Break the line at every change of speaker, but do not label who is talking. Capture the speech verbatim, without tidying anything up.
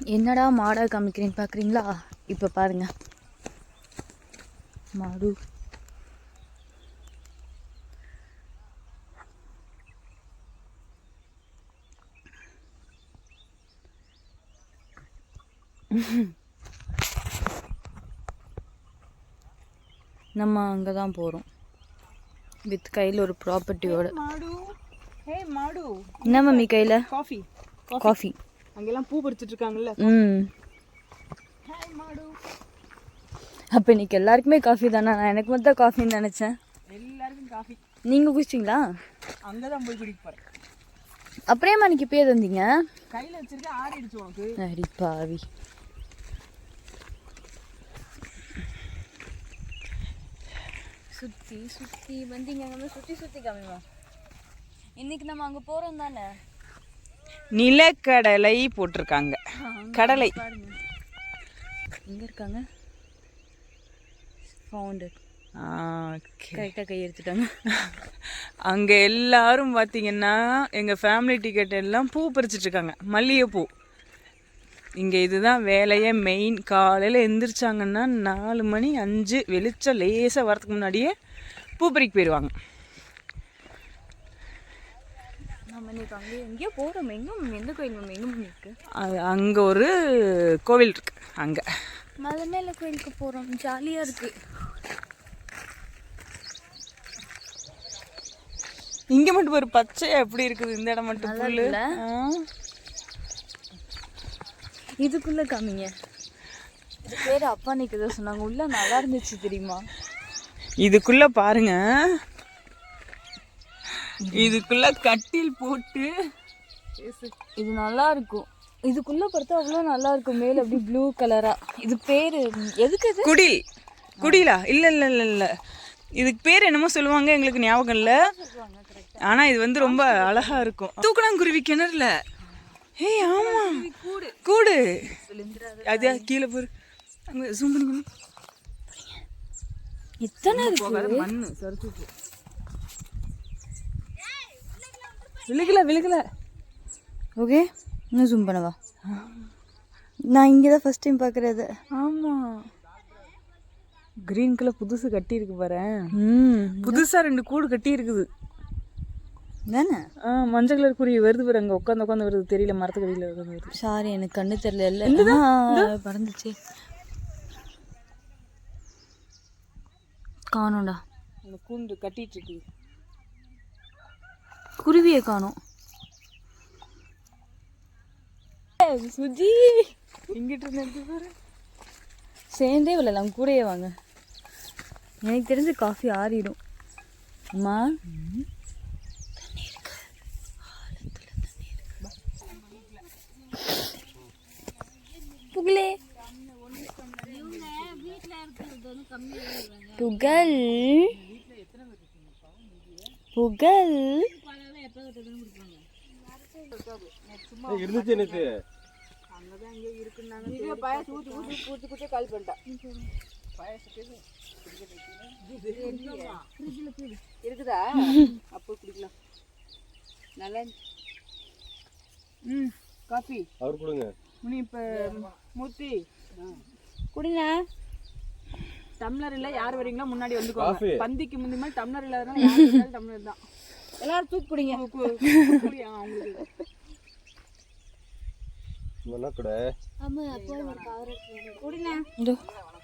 என்னடா மாடா காமிக்கிறேன்னு பார்க்குறீங்களா? இப்போ பாருங்க மாடு. நம்ம அங்கே தான் போகிறோம் வித் கையில் ஒரு ப்ராப்பர்ட்டியோட. என்ன மம்மி கையில்?
காஃபி.
காஃபி.
அங்கெல்லாம் பூ பறிச்சிட்டு இருக்காங்கல்ல.
ம். அப்போ இன்னைக்கு எல்லாருக்குமே காஃபி தானே? நான் எனக்கு மட்டும் காஃபின்னு நினச்சேன்.
எல்லாருக்கும் காஃபி.
நீங்கள் குடிச்சிங்களா?
அங்கே தான் போய் குடிக்க போகிறேன்.
அப்புறமா அன்னைக்கு பேர் தந்தீங்க?
கையில் வச்சிருக்க ஆறிடுச்சு உனக்கு.
அடி பாவி. சுற்றி சுற்றி வந்தீங்க நம்ம சுற்றி சுற்றி காமிமா. இன்னைக்கு நம்ம அங்கே போகிறோம் தானே?
நிலக்கடலை போட்டிருக்காங்க. கடலை
எங்கே இருக்காங்க? ஃபவுண்டர். கரெக்டாக கை எடுத்துட்டாங்க.
அங்கே எல்லாரும் பார்த்தீங்கன்னா எங்கள் ஃபேமிலி டிக்கெட் எல்லாம் பூ பறிச்சிட்டு இருக்காங்க, மல்லிகைப்பூ. இங்கே இதுதான் வேலையே மெயின். காலையில் எந்திரிச்சாங்கன்னா நாலு மணி அஞ்சு வெளிச்சம் லேசாக வரதுக்கு முன்னாடியே பூ பறிக்க போயிடுவாங்க.
நம்ம இன்னைக்கு அங்கே எங்கேயோ போகிறோம். எங்கே எந்த கோயில் நம்ம எங்கே இருக்கு?
அது அங்கே ஒரு கோவில் இருக்கு. அங்கே
மலை மேலே கோயிலுக்கு போகிறோம். ஜாலியாக இருக்குது.
இங்கே மட்டும் ஒரு பச்சையா எப்படி இருக்குது, இந்த இடம் மட்டும் புல்லு.
இதுக்குள்ளே காமிங்க. இது பேர் அப்பா அன்னைக்கு ஏதோ சொன்னாங்க, உள்ள நல்லா இருந்துச்சு தெரியுமா?
இதுக்குள்ள பாருங்க, இதுக்குள்ள கட்டில் போட்டு
இது நல்லா இருக்கும். இதுக்குள்ள பார்த்தா அவ்வளோ நல்லா இருக்கும். மேல அப்படி ப்ளூ கலரா. இது பேரு எதுக்கு? இது
குடில். குடிலா? இல்ல இல்ல இல்ல இல்ல இதுக்கு பேர் என்னமோ சொல்லுவாங்க, எங்களுக்கு ஞாபகம் இல்லை. ஆனா இது வந்து ரொம்ப அழகா இருக்கும். தூக்கணாங்குருவி கிணறுல. ஏய் ஆமா, கூடு. அது கீழே போரு. அங்க ஜூம் பண்ணி
எத்தனை இருக்கு?
மண்ணு சரிச்சு. விழுகல விழுகல.
ஓகே, இன்னும் ஜூம் பண்ணவா? நான் இங்கே தான் ஃபர்ஸ்ட் டைம் பார்க்குறது.
ஆமாம், கிரீன் கலர் புதுசு கட்டி இருக்கு பாரு.
ம்,
புதுசா ரெண்டு கூடு கட்டி இருக்குது
தானே?
ஆ, மஞ்சள் கலர் குருவி வருது பாரு. அங்கே உட்காந்து உட்காந்து வருது, தெரியல, மரத்துக்கு அடியில் வருது.
சாரி, எனக்கு கண்ணு தெரியல. இல்லை பறந்துச்சு. காணோண்டா.
அந்த கூண்டு கட்டிட்டு இருக்கு.
குருவியை காணோம். சுஜி
இங்கிட்டு இருந்து பாரு.
சேர்ந்தே விழலாம், கூடயே வாங்க. எனக்கு தெரிஞ்சு காஃபி ஆறிடும். அம்மா புகழே புகழ் புகழ்
இருந்துச்சு எனக்கு.
இருக்குதா? அப்போ குடிக்கலாம். நல்லா. ம், காஃபி
அவர் கொடுங்க.
முனி இப்போ மூர்த்தி
குடிங்க.
டம்ளர் இல்லை, யார் வரீங்களோ முன்னாடி
காஃபி.
வந்துக்கோங்க. பந்திக்கு முந்தி மாதிரி டம்ளர் இல்லாதனால யார் வந்தாலும் டம்ளர் தான்.
எல்லாரும் தூக்கி குடிங்க.
குடியா அவங்களுக்கு.
என்ன கூட
குடிங்க.